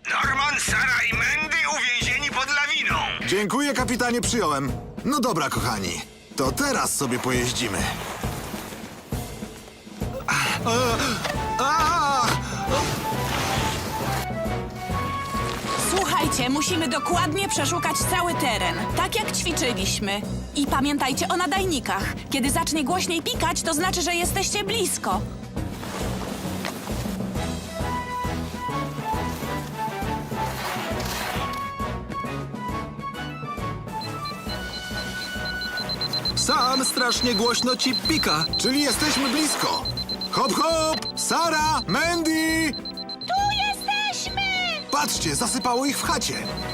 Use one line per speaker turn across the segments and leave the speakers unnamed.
Norman, Sara i Mandy uwięzieni pod lawiną.
Dziękuję, kapitanie, przyjąłem. No dobra, kochani, to teraz sobie pojeździmy.
Słuchajcie, musimy dokładnie przeszukać cały teren, tak jak ćwiczyliśmy. I pamiętajcie o nadajnikach. Kiedy zacznie głośniej pikać, to znaczy, że jesteście blisko.
Sam strasznie głośno ci pika.
Czyli jesteśmy blisko. Hop, hop! Sara, Mandy!
Tu jesteśmy!
Patrzcie, zasypało ich w chacie.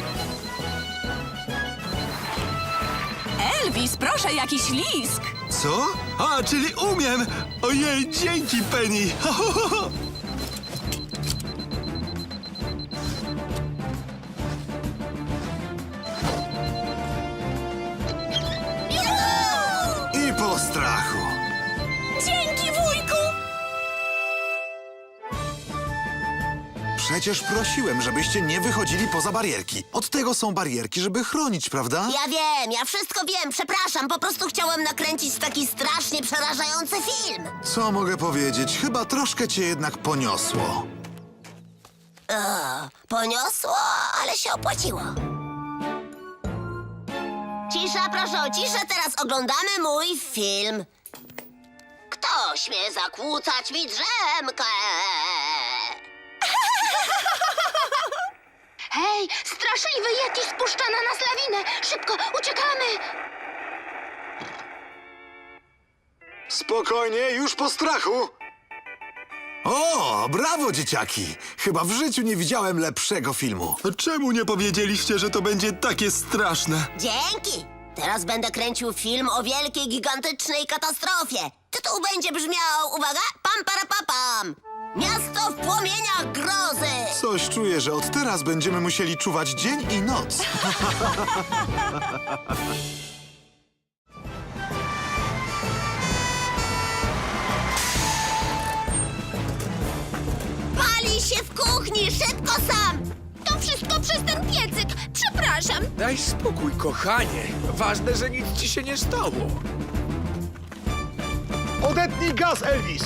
Elvis, proszę, jakiś lisk.
Co? A, czyli umiem! Ojej, dzięki, Penny!
I po strachu.
Dzięki, wujku!
Przecież prosiłem, żebyście nie wychodzili poza barierki. Od tego są barierki, żeby chronić, prawda?
Ja wiem, ja wszystko wiem, przepraszam. Po prostu chciałem nakręcić taki strasznie przerażający film.
Co mogę powiedzieć? Chyba troszkę cię jednak poniosło.
Poniosło, ale się opłaciło. Cisza, proszę o ciszę, teraz oglądamy mój film. Kto śmie zakłócać mi drzemkę?
Hej, straszliwy Yeti spuszcza na nas lawinę! Szybko, uciekamy!
Spokojnie, już po strachu. O, brawo, dzieciaki! Chyba w życiu nie widziałem lepszego filmu.
Czemu nie powiedzieliście, że to będzie takie straszne?
Dzięki! Teraz będę kręcił film o wielkiej, gigantycznej katastrofie. Tytuł będzie brzmiał, uwaga, pam para pa, pam. Miasto w płomieniach grozy.
Coś czuję, że od teraz będziemy musieli czuwać dzień i noc.
Pali się w kuchni, szybko sam!
To wszystko przez ten piecyk! Przepraszam!
Daj spokój, kochanie. Ważne, że nic ci się nie stało.
Odetnij gaz, Elvis.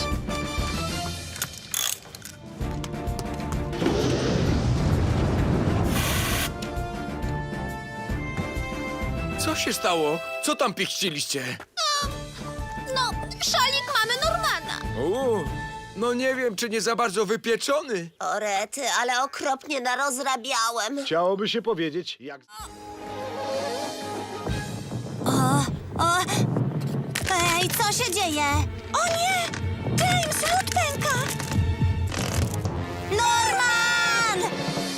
Co się stało? Co tam pichciliście?
No, szalik mamy Normana.
No nie wiem, czy nie za bardzo wypieczony.
O rety, ale okropnie narozrabiałem.
Chciałoby się powiedzieć, jak...
Ej, co się dzieje?
O nie! James, lód pęka!
Norman!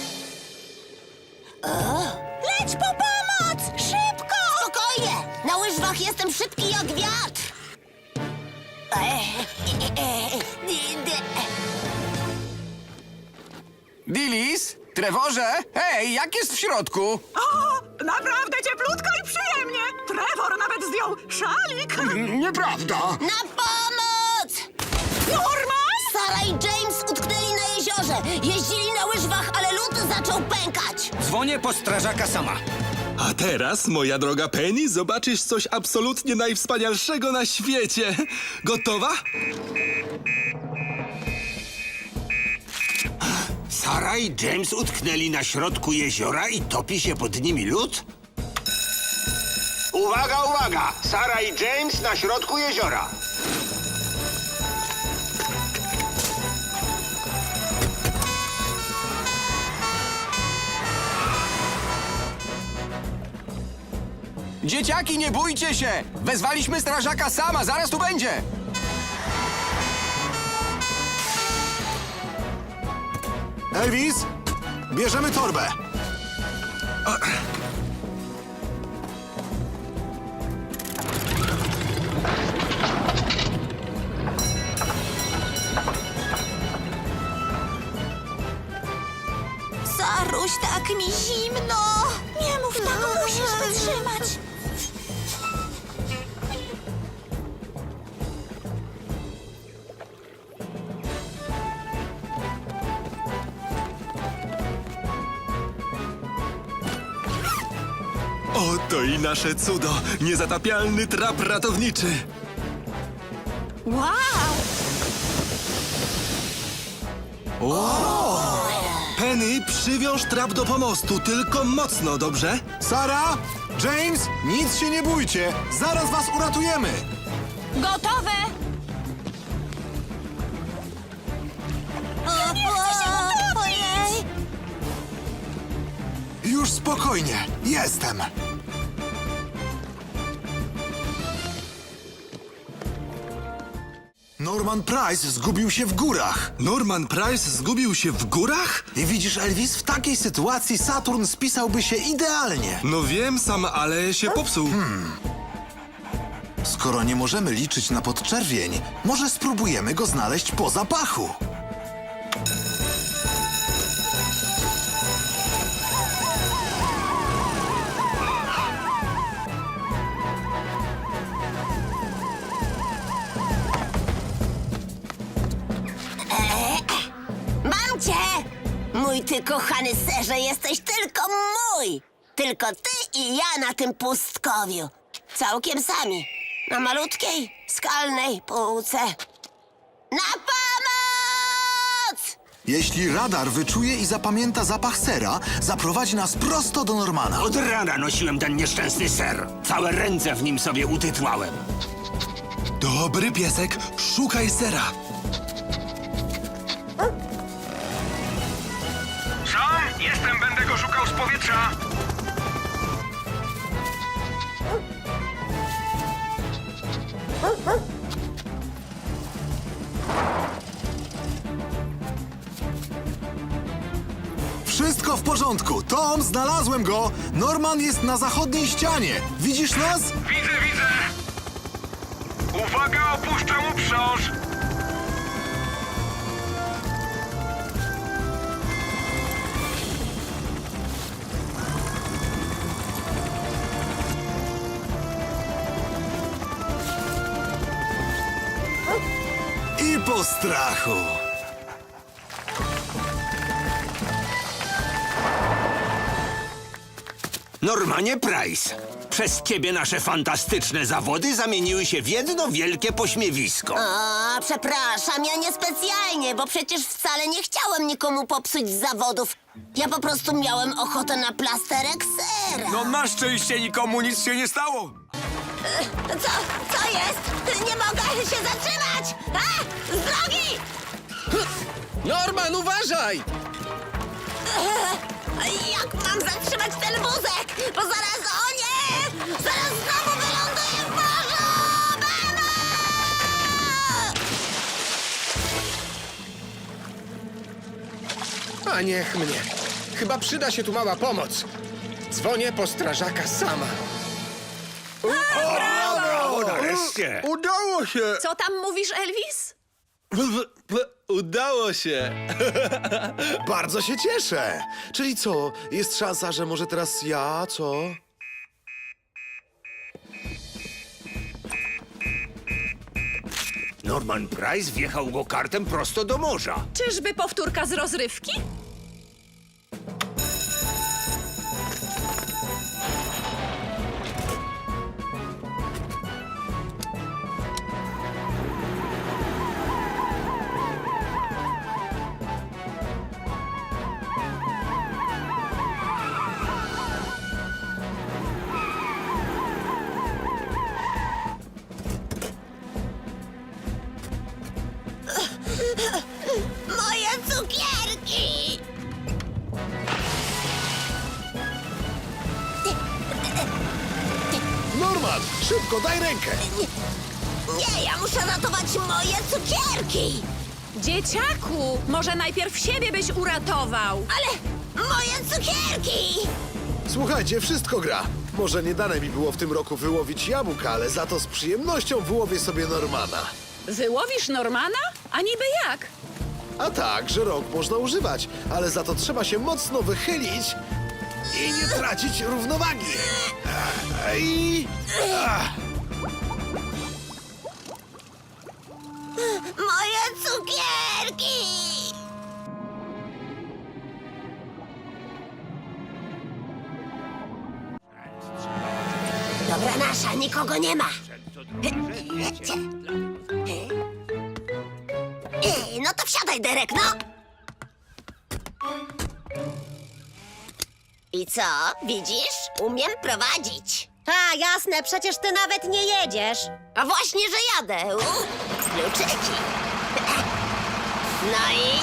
Leć po pomoc! Szybko!
Spokojnie! Na łyżwach jestem szybki jak wiatr.
Dilis? Trevorze? Hej, jak jest w środku?
O, naprawdę cieplutko i przyjemnie! Trevor nawet zdjął szalik!
Nieprawda!
Na pomoc!
Norman!
Sara i James utknęli na jeziorze. Jeździli na łyżwach, ale lód zaczął pękać.
Dzwonię po strażaka sama.
A teraz, moja droga Penny, zobaczysz coś absolutnie najwspanialszego na świecie. Gotowa?
Sara i James utknęli na środku jeziora i topi się pod nimi lód?
Uwaga, uwaga! Sara i James na środku jeziora.
Dzieciaki, nie bójcie się! Wezwaliśmy strażaka sama, zaraz tu będzie!
Elvis, bierzemy torbę.
Saruś, tak mi zimno.
Nie mów tak, musisz wytrzymać!
Oto i nasze cudo. Niezatapialny trap ratowniczy.
Wow!
Penny, przywiąż trap do pomostu, tylko mocno, dobrze?
Sara, James, nic się nie bójcie. Zaraz was uratujemy.
Gotowe!
Ojej!
Już spokojnie. Jestem. Norman Price zgubił się w górach.
Norman Price zgubił się w górach?
I widzisz, Elvis, w takiej sytuacji Saturn spisałby się idealnie.
No wiem sam, ale się popsuł.
Skoro nie możemy liczyć na podczerwień, może spróbujemy go znaleźć po zapachu.
Mam cię! Mój ty kochany serze, jesteś tylko mój! Tylko ty i ja na tym pustkowiu. Całkiem sami. Na malutkiej, skalnej półce. Na pomoc!
Jeśli radar wyczuje i zapamięta zapach sera, zaprowadzi nas prosto do Normana.
Od rana nosiłem ten nieszczęsny ser. Całe ręce w nim sobie utytłałem.
Dobry piesek, szukaj sera.
Sam? Jestem, będę go szukał z powietrza.
Wszystko w porządku. Tom, znalazłem go. Norman jest na zachodniej ścianie. Widzisz nas?
Widzę. Uwaga, opuszczam uprząż.
I po strachu.
Normanie Price, przez ciebie nasze fantastyczne zawody zamieniły się w jedno wielkie pośmiewisko.
O, przepraszam, ja niespecjalnie, bo przecież wcale nie chciałem nikomu popsuć zawodów. Ja po prostu miałem ochotę na plasterek sera.
No na szczęście nikomu nic się nie stało.
Co jest? Nie mogę się zatrzymać! A! Z drogi!
Norman, uważaj!
Jak mam zatrzymać ten wózek? Bo zaraz, o nie! Zaraz znowu wyląduję w morzu! Mamo!
A niech mnie. Chyba przyda się tu mała pomoc. Dzwonię po strażaka sama.
Brawo, nareszcie!
Udało się!
Co tam mówisz, Elvis?
Udało się.
Bardzo się cieszę. Czyli co, jest szansa, że może teraz ja, co?
Norman Price wjechał go kartem prosto do morza.
Czyżby powtórka z rozrywki?
Moje cukierki!
Norman, szybko, daj rękę!
Nie, ja muszę ratować moje cukierki!
Dzieciaku, może najpierw siebie byś uratował.
Ale moje cukierki!
Słuchajcie, wszystko gra. Może nie dane mi było w tym roku wyłowić jabłka, ale za to z przyjemnością wyłowię sobie Normana.
Wyłowisz Normana? A niby jak?
A tak, że rok można używać, ale za to trzeba się mocno wychylić i nie tracić równowagi.
Moje cukierki! Dobra nasza, nikogo nie ma. No to wsiadaj, Derek, no. I co, widzisz? Umiem prowadzić.
A, jasne, przecież ty nawet nie jedziesz.
A właśnie, że jadę. Kluczyki. No i...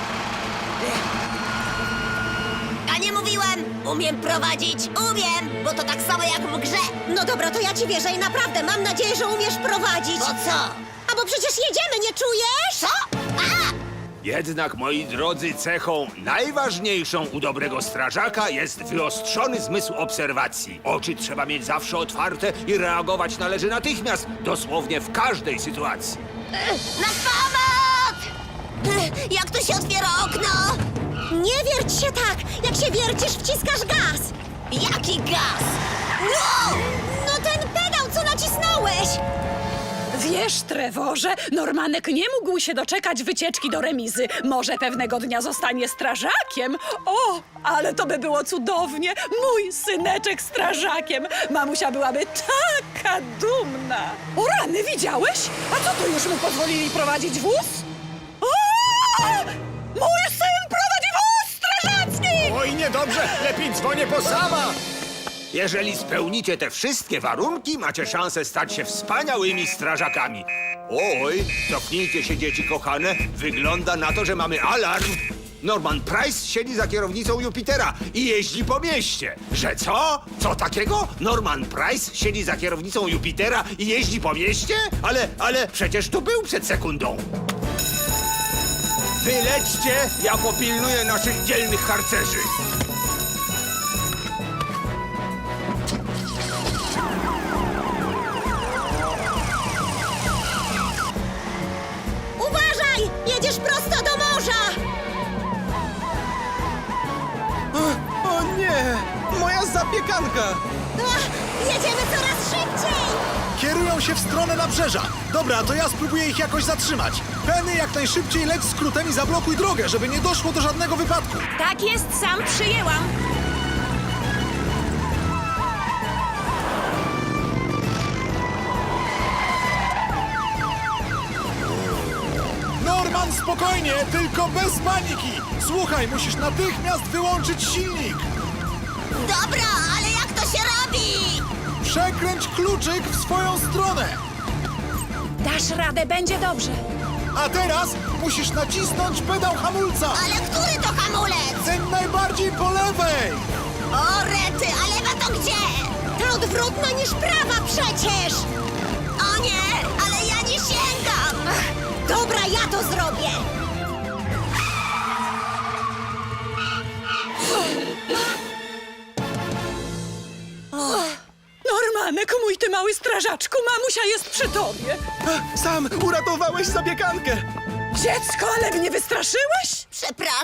A nie mówiłem! Umiem prowadzić, umiem! Bo to tak samo jak w grze.
No dobra, to ja ci wierzę i naprawdę mam nadzieję, że umiesz prowadzić.
Bo co?
A bo przecież jedziemy, nie czujesz?
Co? A!
Jednak, moi drodzy, cechą najważniejszą u dobrego strażaka jest wyostrzony zmysł obserwacji. Oczy trzeba mieć zawsze otwarte i reagować należy natychmiast, dosłownie w każdej sytuacji.
Na pomoc! Jak to się otwiera okno?
Nie wierć się tak! Jak się wiercisz, wciskasz gaz!
Jaki gaz? Wow!
No ten pedał, co nacisnąłeś!
Wiesz, Trevorze, Normanek nie mógł się doczekać wycieczki do remizy. Może pewnego dnia zostanie strażakiem? O, ale to by było cudownie! Mój syneczek strażakiem! Mamusia byłaby taka dumna! O rany, widziałeś? A co tu już mu pozwolili prowadzić wóz? O! Mój syn prowadzi wóz strażacki!
Oj, niedobrze, lepiej dzwonię po sama.
Jeżeli spełnicie te wszystkie warunki, macie szansę stać się wspaniałymi strażakami. Oj, cofnijcie się, dzieci kochane. Wygląda na to, że mamy alarm. Norman Price siedzi za kierownicą Jupitera i jeździ po mieście. Że co? Co takiego? Norman Price siedzi za kierownicą Jupitera i jeździ po mieście? Ale przecież tu był przed sekundą. Wylećcie, ja popilnuję naszych dzielnych harcerzy.
Uważaj! Jedziesz prosto do morza!
O nie! Moja zapiekanka!
Ach, jedziemy coraz szybciej!
Kierują się w stronę nabrzeża. Dobra, to ja spróbuję ich jakoś zatrzymać. Penny, jak najszybciej leć skrótem i zablokuj drogę, żeby nie doszło do żadnego wypadku.
Tak jest, sam przyjęłam.
Norman, spokojnie, tylko bez paniki. Słuchaj, musisz natychmiast wyłączyć silnik.
Dobra, ale jak to się robi?
Przekręć kluczyk w swoją stronę.
Dasz radę, będzie dobrze.
A teraz musisz nacisnąć pedał hamulca.
Ale który to hamulec?
Ten najbardziej po lewej.
O, rety, a lewa to gdzie?
Ta odwrotna niż prawa przecież!
O nie, ale ja nie sięgam.
Dobra, ja to zrobię!
Normanek, mój ty mały strażaczku, mamusia jest przy tobie.
Sam uratowałeś zapiekankę!
Dziecko, ale mnie wystraszyłeś?
Przepraszam.